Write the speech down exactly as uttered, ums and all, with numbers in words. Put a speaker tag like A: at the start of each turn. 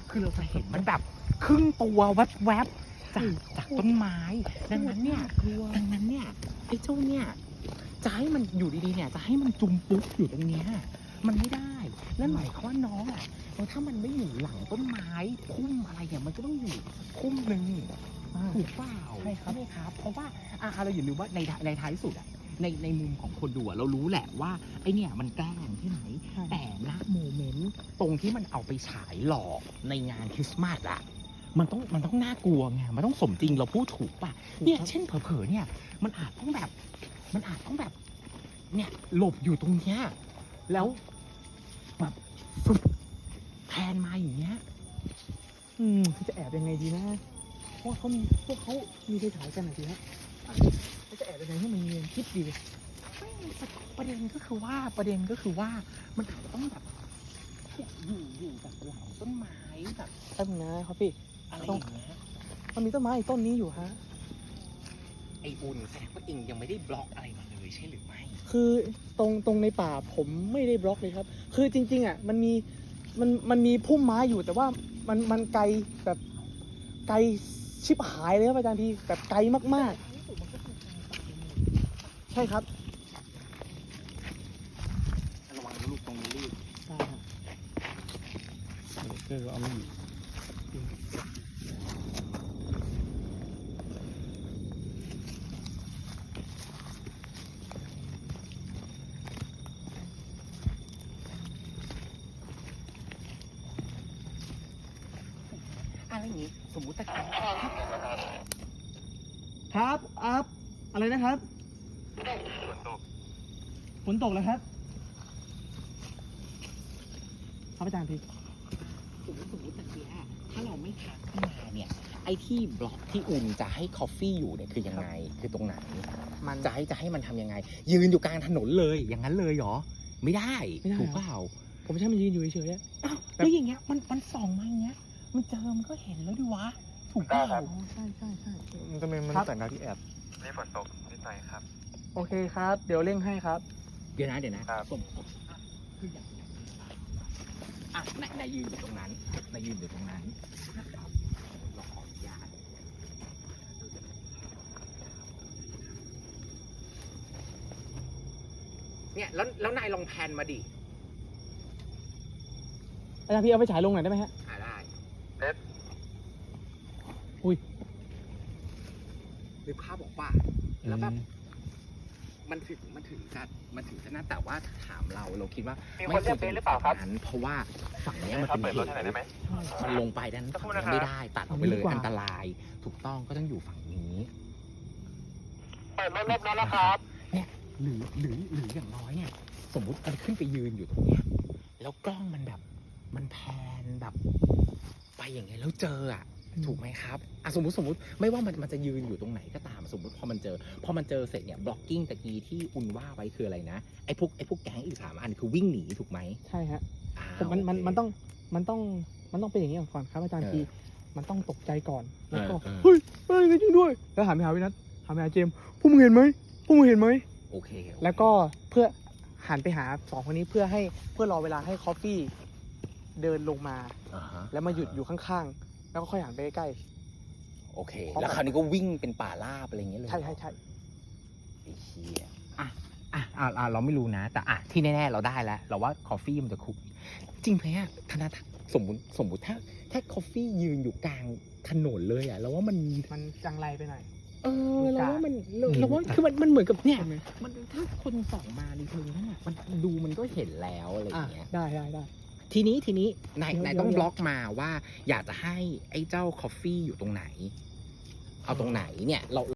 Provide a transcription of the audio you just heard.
A: คือเราจะเห็นมันแบบครึ่งตัวแวบๆจากจากต้นไม้ดังนั้นเนี่ยดังนั้นเนี่ยไอ้เจ้าเนี่ยจะให้มันอยู่ดีๆเนี่ยจะให้มันจุ่มปุ๊บอยู่ตรงเนี้ยมันไม่ได้นั่นหมายความว่าน้องอ่ะถ้ามันไม่อยู่หลังต้นไม้พุ่มอะไรเนี่ยมันก็ต้องอยู่พุ่มหนึ่งถูกเปล่าใช่ครับใช่ครับเพราะว่าอ่าเราอย่าลืมว่าในในท้ายสุดอ่ะในในมุมของคนดูเรารู้แหละว่าไอเนี่ยมันแกล้งที่ไหนแต่ณโมเมนต์ตรงที่มันเอาไปฉายหลอกในงานคริสต์มาสอะมันต้องมันต้องน่ากลัวไงมันต้องสมจริงเราพูดถูกป่ะเนี่ยเช่นเผลอๆเนี่ยมันอาจต้องแบบมันอาจต้องแบบเนี่ยหลบอยู่ตรงเนี้ยแล้วแบบฟึบแทนมาอย่างเงี้ย
B: อืมจะแอบยังไงดีนะเพราะเขามีพวกเขามีไฟฉายกันนะทีนะเขาจะแอบยังไงให้มันเนียนคิดดี
A: ประเด็นก็คือว่าประเด็นก็คือว่ามันอาจจะต้องแบบอยู่อยู่แบบหลังต้นไม้แบบ
B: แป๊บนึงนะครับพี่
A: อะไรอย่างเงี้ย
B: มันมีต้นไม้อีกต้นนี้อยู่ฮะ
A: ไออุ่นแสดงว่าเองยังไม่ได้บล็อกอะไรมาเลยใช่หรือไม่
B: คือตรงตรงในป่าผมไม่ได้บล็อกเลยครับคือจริงๆอ่ะมันมีมันมันมีพุ่มไม้อยู่แต่ว่ามันมันไกลแบบไกลชิบหายเลยครับอาจารย์พี่แบบไกลมากๆใช่ครับ
A: ระวังลูกตรงนี้ลูก
B: ใช่ครับเจอเอาไม่อยู่
A: อะไรอย่างงี้สมมุติตะกี้
B: ครับอัพอะไรนะครับฝนตกฝนตกแล้วครับครับอาจารย์พี่
A: สมมติสมมติตะกี้ถ้าเราไม่ทักขึ้นมาเนี่ยไอ้ที่บล็อกที่อุ่นจะให้คอฟฟี่อยู่เนี่ยคือยังไงคือตรงไหน
B: มัน
A: จะให้จะให้มันทำยังไง ยืนอยู่กลางถนนเลยอย่างนั้นเลยเหรอไม่ได้ถูกเปล่า
B: ผมใช้มันยืนอยู่เฉย
A: อ้าวแล้วอย่างเงี้ยมันมันส่องมาอย่างเงี้ยมันเจอมันก็เห็นแล้วดิวะถูกเปล่า
B: ใช่ใช่ใช่
C: มันจะเป็นมัน
B: ครับ
C: แต่งดาวที่แอบ
D: นี่ฝนตกนิดหน่อยครับ
B: โอเคครับ เดี๋ยวเร่งให้ครับ
A: เดี๋ยวนะเดี๋ยวนะครับ สมมติอ่ะคืออย่างอย่างอ่ะนายนายยืนอยู่ตรงนั้นนายยืนอยู่ตรงนั้นนะครับเราขออนุญาตเนี่ยแล้วแล้วนายลองแพนมาดิ
B: อาจารย์พี่เอาไปฉายลงหน่อยได้ไหมฮะ
A: หาได้
D: เอ๊ะ
B: อุ้ย
A: นึกภาพบอกว่าแล้วแบบมันถึงมันถึงจะมันถึงจะน่าแต่ว่าถามเราเราคิดว่า
D: มีคนเรียกเบสหรือเปล่าครับ
A: นั้นเพราะว่าฝั่งเนี้ยมัน
D: ครับ
A: เป็น
D: เปิด
A: เห
D: รถ
A: ว
D: ให้หน่อยได้ไหม
A: มันลงไปด้าน
D: สักครู่
A: ฝั่ง
D: นะครับ
A: นี้ไม่ได้ตัดออกไปเลย
B: ดีกว่า
A: อันตรายถูกต้องก็ต้องอยู่ฝั่งนี้
D: เปิดรถเรียบร้อยแล้วครับ
A: เนี่ยหรือหรือหรืออย่างน้อยเนี่ยสมมุติมันขึ้นไปยืนอยู่ตรงเนี้ยแล้วกล้องมันแบบมันแพนแบบไปอย่างเงี้ยแล้วเจออ่ะถูกไหมครับอ่ะสมมติสมมติไม่ว่ามันมันจะยืนอยู่ตรงไหนก็ตามสมมติพอมันเจอพอมันเจอเสร็จเนี่ยบล็อกกิ้งตะกี้ที่อุ่นว่าไว้คืออะไรนะไอ้พวกไอ้พวกแก๊งอีกสามอันคือวิ่งหนีถูกไหม
B: ใช่ฮะ
A: อ่า
B: ผมมันมัน
A: โเค
B: มันต้องมันต้องมันต้องเป็นอย่างนี้ก่อนครับอาจารย์
A: เออ
B: พี่มันต้องตกใจก่อนแล้วก็
A: เออเออ
B: เฮ้ยเฮ้ยจริงด้วยแล้วหันไปหาวินัทหันไปหาเจมส์พวกมึงเห็นไหมพวกมึงเห็นไหม
A: โอเคโอเค
B: แล้วก็เพื่อหันไปหาสองคนนี้เพื่อให้เพื่อรอเวลาให้คอฟฟี่เดินลงมา
A: อ่าฮะ
B: แล้วมาหยุดอยู่ข้างๆแล้วก็ค่อยหันไปใกล้
A: โอเค แล้วคราวนี้ก็วิ่งเป็นป่าราบอะไรอย่างเงี้ยเลย
B: ๆใช่ใช่ใช่
A: ไอ้เชี่ยอ่ะอ่ะอ่ะอ่ะเราไม่รู้นะ แต่อ่ะที่แน่ๆเราได้แล้ว เราว่าคอฟฟี่มันจะคุก จริงไหมอ่ะธนาสมมติสมมติถ้า ถ้าคอฟฟี่ยืนอยู่กลางถนนเลยอ่ะเราว่ามัน
B: มันจังไรไปหน่อย
A: เออเราว่ามันเรา
B: อืม
A: เราว่าคือมันมันเหมือนกับเนี่ย
B: ใช่ไหม
A: มันถ้าคนส่องมาในเชิงนั้นอ่ะมันดูมันก็เห็นแล้วอะไรอ
B: อ่ะ
A: ย่างเงี้ย
B: ได้ได้ได้
A: ทีนี้ทีนี้นาย
B: เดี๋ยวน
A: าย
B: เดี๋ยว
A: ต้องบล็อกมาว่าอยากจะให้ไอ้เจ้าคอฟฟี่อยู่ตรงไหน เอาตรงไหนเนี่ยเรา